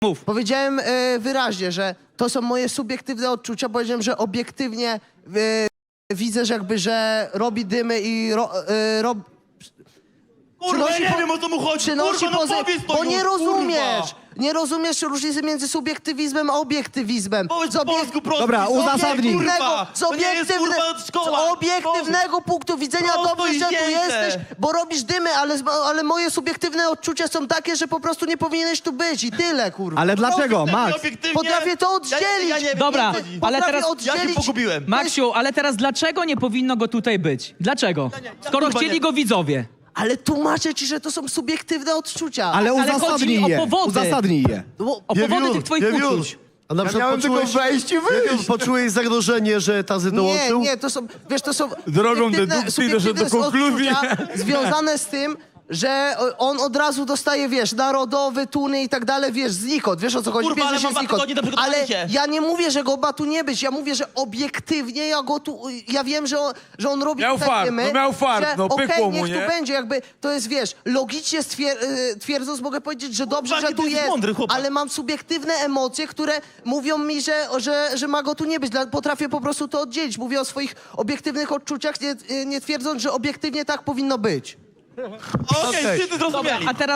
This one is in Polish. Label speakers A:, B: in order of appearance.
A: Mów.
B: Powiedziałem wyraźnie, że to są moje subiektywne odczucia. Powiedziałem, że obiektywnie widzę, że jakby, że robi dymy i
C: Kurwa, ja nie wiem, o co mu chodzi.
B: przynosi
C: Kurwa, no
B: pozy...
C: powiedz to
B: Bo nie
C: już,
B: rozumiesz!
C: kurwa.
B: Nie rozumiesz różnicy między subiektywizmem a obiektywizmem.
C: Powiedz po polsku prosto.
D: Dobra, uzasadnij.
C: Kurwa, to nie jest, kurwa,
B: z
C: szkoła.
B: obiektywnego punktu widzenia
C: Prosto
B: dobrze,
C: i
B: że tu
C: zdjęte.
B: jesteś, bo robisz dymy, ale moje subiektywne odczucia są takie, że po prostu nie powinieneś tu być i tyle, kurwa.
D: Ale dlaczego,
C: Prosto,
D: Max?
C: obiektywnie.
B: Potrafię to oddzielić.
C: Ja nie wiem,
A: Dobra,
C: nie chodzi.
A: ale
B: Potrafię
A: teraz-
C: Ja się
B: oddzielić...
C: pogubiłem.
A: Maksiu, ale teraz dlaczego nie powinno go tutaj być? Dlaczego? Skoro
C: kurwa
A: chcieli
C: nie-
A: go widzowie.
B: Ale tłumaczę ci, że to są subiektywne odczucia.
D: Ale
A: chodzi mi
D: uzasadnij
A: o
D: je.
A: powody.
D: Uzasadnij je.
B: Bo,
A: O powody tych twoich uczuć.
E: A na przykład
F: miałem tylko wejść i wyjść.
E: Poczułeś zagrożenie, że Tazy dołączył?
B: nie, to są, wiesz, to są
F: Drogą
B: subiektywne-
F: dedukcji doszedł do
B: subiektywne
F: konkluzji.
B: odczucia związane z tym, że on od razu dostaje, wiesz, narodowy, tuny i tak dalej, wiesz, znikąd, wiesz o co chodzi,
C: Kurwa, ale
B: bierzesz
C: mam
B: się znikąd.
C: 2 tygodnie do
B: Ale
C: przygotowania się.
B: ja nie mówię, że go ma tu nie być, ja mówię, że obiektywnie ja go tu, ja wiem, że on robi
F: Miał
B: takie
F: fart,
B: dymy,
F: no miał fart,
B: że
F: no pykło mu,
B: niech
F: nie?
B: tu będzie, jakby, to jest, wiesz, logicznie twierdząc mogę powiedzieć, że dobrze,
C: Kurwa,
B: że tu
C: jaki ty jesteś
B: jest,
C: mądry chłopak.
B: ale mam subiektywne emocje, które mówią mi, że ma go tu nie być. Potrafię po prostu to oddzielić. Mówię o swoich obiektywnych odczuciach, nie twierdząc, że obiektywnie tak powinno być.
C: Okej, wszyscy zrozumieli.
A: A teraz